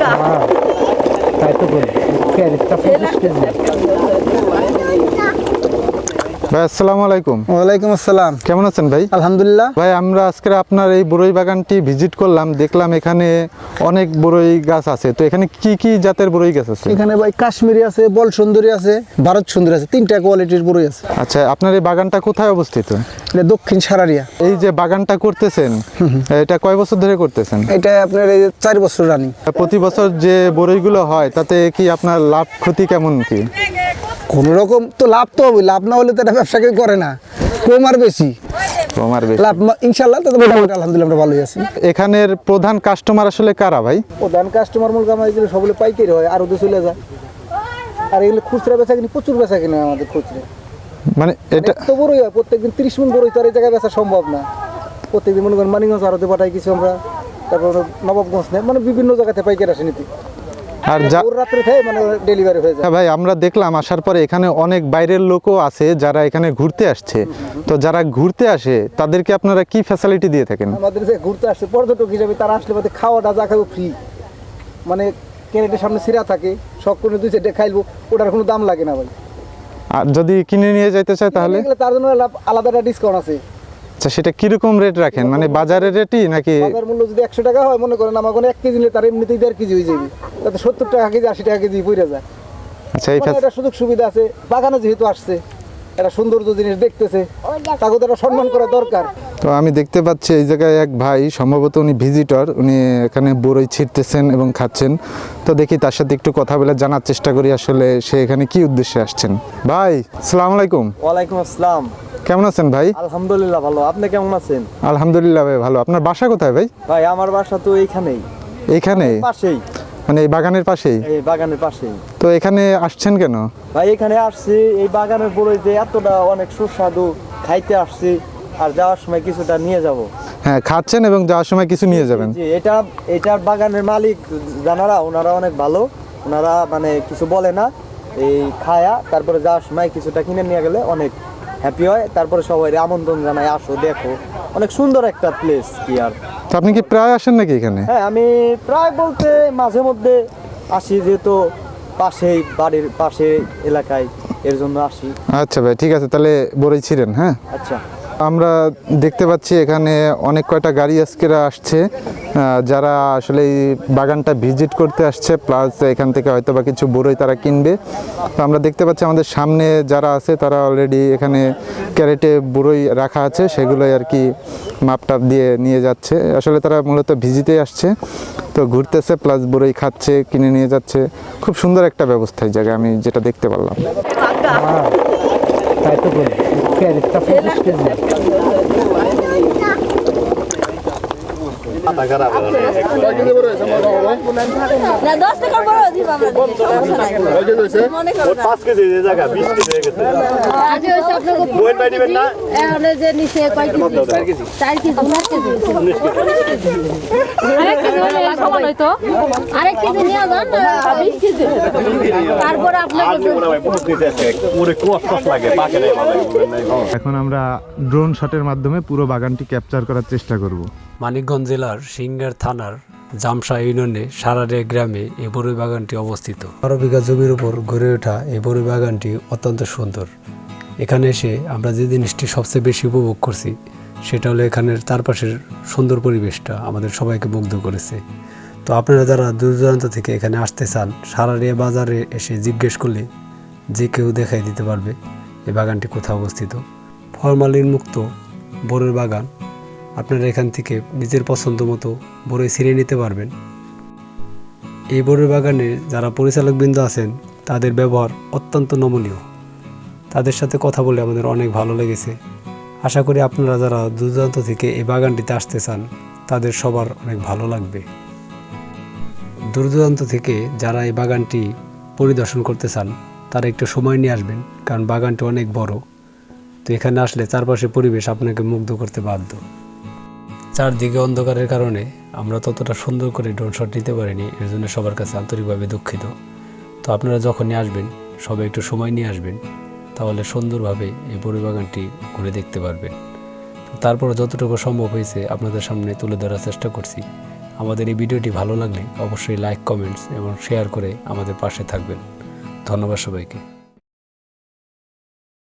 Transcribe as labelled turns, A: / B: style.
A: তাই তো বলি ক্যারেটটা 25 কেজি।
B: ভাই আসসালামু আলাইকুম।
A: ওয়ালাইকুম আসসালাম।
B: কেমন আছেন ভাই?
A: আলহামদুলিল্লাহ।
B: ভাই আমরা আজকে আপনার এই বরই বাগানটি ভিজিট করলাম, দেখলাম এখানে অনেক বরই গাছ আছে। তো এখানে কি কি জাতের বরই গাছ আছে?
A: এখানে ভাই কাশ্মীরি আছে, বল সুন্দরী আছে, ভারত সুন্দরী আছে, তিনটা কোয়ালিটির বরই আছে।
B: আচ্ছা, আপনার এই বাগানটা কোথায় অবস্থিত?
A: এটা দক্ষিণ সারারিয়া।
B: এই যে বাগানটা করতেছেন, এটা কয় বছর ধরে করতেছেন?
A: এটা আপনার এই 4 বছর রানিং।
B: প্রতি বছর যে বরইগুলো হয় তাতে কি আপনার লাভ ক্ষতি কেমন কি?
A: কোন রকম তো লাভ তো হবে, লাভ না হলে তো এটা ব্যবসা কেউ করে না, কম আর বেশি
B: আমার বেশ।
A: লাভ ইনশাআল্লাহ তো মোটামুটি আলহামদুলিল্লাহ আমরা ভালোই আছি।
B: এখানের প্রধান কাস্টমার আসলে কারা ভাই?
A: প্রধান কাস্টমার মূল আমার এগুলো সবগুলো পাইকারি হয়, আর ওদের চলে যায়। আর এগুলো খুচরা বেচা কিনি প্রচুর বেচা কিনে আমাদের খুচরা।
B: মানে এটা
A: তো বড়ই হয় প্রত্যেকদিন 30 মণ বড়ই তো আর এই জায়গায় বেচা সম্ভব না। প্রত্যেকদিন মনে করেন মানিগঞ্জ আরতে পাঠাই কিছু আমরা, তারপর নবাবগঞ্জ নেই, মানে বিভিন্ন জায়গাতে পাইকারি আসে নিতে।
B: আর যা
A: ওর রাত্রে থেকে মানে ডেলিভারি হয়ে যায়।
B: হ্যাঁ ভাই, আমরা দেখলাম আসার পরে এখানে অনেক বাইরের লোকও আছে যারা এখানে ঘুরতে আসছে। তো যারা ঘুরতে আসে তাদেরকে আপনারা কি ফ্যাসিলিটি দিয়ে থাকেন?
A: আমাদের যে ঘুরতে আসছে পর্যটক হিসাবে তারা আসলে আমাদের খাওয়াটা যা খাবো ফ্রি, মানে ক্যারেটের সামনে সিরা থাকে, সব করে 2-4টা খাইবো, ওটার কোনো দাম লাগে না ভাই।
B: আর যদি কিনে নিয়ে যাইতে চায় তাহলে?
A: এগুলো তার জন্য আলাদা একটা ডিসকাউন্ট আছে।
B: আচ্ছা, সেটা কিরকম রেট রাখেন? মানে বাজারের রেটই নাকি?
A: বাজার মূল্য যদি 100 টাকা হয়, মনে করেন আমার কোনো 1 কেজি নিলে তার এমনিতেই 1.5 কেজি হয়ে যাবে, তাতে 70 টাকা কেজি 80 টাকা কেজি পড়ে যায়।
B: আচ্ছা, এই
A: মানে এটা সুযোগ সুবিধা আছে, বাগানে যেহেতু আসছে একটা সৌন্দর্য জিনিস দেখতেছে, তাকে তো একটা সম্মান করা দরকার।
B: তো আমি দেখতে পাচ্ছি এই জায়গায় এক ভাই, সম্ভবত উনি ভিজিটর, উনি এখানে বরই ছিঁড়তেছেন এবং খাচ্ছেন। তো দেখি তার সাথে একটু কথা বলে জানার চেষ্টা করি আসলে সে এখানে কি উদ্দেশ্যে আসছেন। ভাই আসসালামু আলাইকুম।
C: ওয়ালাইকুম আসসালাম।
B: কেমন আছেন ভাই?
C: আলহামদুলিল্লাহ ভালো, আপনি কেমন আছেন?
B: আলহামদুলিল্লাহ ভাই ভালো। আপনার বাসা কোথায় ভাই?
C: ভাই আমার বাসা তো এইখানেই,
B: এইখানে
C: পাশেই,
B: মানে এই বাগানের পাশেই?
C: এই বাগানের পাশেই।
B: তো এখানে আসছেন কেন?
C: ভাই এখানে আসছি এই বাগানের বড়ই যে এতটা অনেক সুস্বাদু, খাইতে আসছি, আর যাওয়ার সময় কিছুটা নিয়ে যাব।
B: হ্যাঁ, খাচ্ছেন এবং যাওয়ার সময় কিছু নিয়ে যাবেন।
C: জি, এটার বাগানের মালিক জানারা, ওনারা অনেক ভালো, ওনারা মানে কিছু বলে না, এই খায়া তারপরে যাওয়ার সময় কিছুটা কিনে নিয়ে গেলে অনেক হ্যাপি হয়। তারপরে সবাই আমন্ত্রণ জানায়, আসো দেখো, অনেক সুন্দর একটা প্লেস কি আর।
B: তো আপনি কি প্রায় আসেন নাকি এখানে?
C: হ্যাঁ, আমি প্রায় বলতে মাঝে মধ্যে আসি, যেহেতু পাশেই, বাড়ির পাশে এলাকায়, এর জন্য আসি।
B: আচ্ছা ভাই, ঠিক আছে, তাহলে বরই ছিলেন। হ্যাঁ,
C: আচ্ছা।
B: আমরা দেখতে পাচ্ছি এখানে অনেক কয়টা গাড়ি আজকেরা আসছে, যারা আসলে এই বাগানটা ভিজিট করতে আসছে, প্লাস এখান থেকে হয়তো বা কিছু বরই তারা কিনবে। তো আমরা দেখতে পাচ্ছি আমাদের সামনে যারা আছে তারা অলরেডি এখানে ক্যারেটে বরই রাখা আছে, সেগুলোই আর কি মাপটাপ দিয়ে নিয়ে যাচ্ছে। আসলে তারা মূলত ভিজিটেই আসছে, তো ঘুরতেছে প্লাস বরই খাচ্ছে, কিনে নিয়ে যাচ্ছে। খুব সুন্দর একটা ব্যবস্থা এই জায়গায়, আমি যেটা দেখতে পারলাম।
A: তাই তো বলি ক্যারেটটা 25 কেজি।
D: না 10 টাকা বড় দিব আমরা সমস্যা নাই মনে করো
E: 5 কেজি এই জায়গা 20 কেজি হয়ে গেছে
D: আজ হইছে আপনাকে
E: বইন বাই দিবেন না
D: এখানে যে নিচে কয় কেজি 4 কেজি 4 কেজি আরেক কেজি হলে সমান হইতো আরেক কেজি নিয়ে যান 20 কেজি তারপর আপনাকে
E: ভাই বহুত দিতে আছে পুরো কষ্ট লাগে পাকে নাই ভালো লাগে।
B: এখন আমরা ড্রোন শটের মাধ্যমে পুরো বাগানটি ক্যাপচার করার চেষ্টা করব।
F: মানিকগঞ্জ জেলার সিংড়ার থানার জামসা ইউনিয়নে সারারে গ্রামে এই বরই বাগানটি অবস্থিত। 12 বিঘা জমির উপর গড়ে ওঠা এই বরই বাগানটি অত্যন্ত সুন্দর। এখানে এসে আমরা যে জিনিসটি সবচেয়ে বেশি উপভোগ করছি সেটা হলো এখানের চারপাশের সুন্দর পরিবেশটা আমাদের সবাইকে মুগ্ধ করেছে। তো আপনারা যারা দূর দূরান্ত থেকে এখানে আসতে চান, সারারিয়া বাজারে এসে জিজ্ঞেস করলে যে কেউ দেখাই দিতে পারবে এই বাগানটি কোথায় অবস্থিত। ফরমালিন মুক্ত বরই বাগান, আপনারা এখান থেকে নিজের পছন্দ মতো বরই ছিঁড়ে নিতে পারবেন। এই বরই বাগানে যারা পরিচালকবৃন্দ আছেন তাদের ব্যবহার অত্যন্ত নমনীয়। তাদের সাথে কথা বলে আমাদের অনেক ভালো লেগেছে। আশা করি আপনারা যারা দূর দূরান্ত থেকে এই বাগানটিতে আসতে চান তাদের সবার অনেক ভালো লাগবে। দূর দূরান্ত থেকে যারা এই বাগানটি পরিদর্শন করতে চান তারা একটু সময় নিয়ে আসবেন, কারণ বাগানটি অনেক বড়। তো এখানে আসলে চারপাশের পরিবেশ আপনাকে মুগ্ধ করতে বাধ্য। চারদিকে অন্ধকারের কারণে আমরা ততটা সুন্দর করে ড্রোন শট নিতে পারিনি, এর জন্য সবার কাছে আন্তরিকভাবে দুঃখিত। তো আপনারা যখনই আসবেন সবাই একটু সময় নিয়ে আসবেন, তাহলে সুন্দরভাবে এই বরই বাগানটি ঘুরে দেখতে পারবেন। তারপর যতটুকু সম্ভব হয়েছে আপনাদের সামনে তুলে ধরার চেষ্টা করছি। আমাদের এই ভিডিওটি ভালো লাগলে অবশ্যই লাইক, কমেন্টস এবং শেয়ার করে আমাদের পাশে থাকবেন। ধন্যবাদ সবাইকে।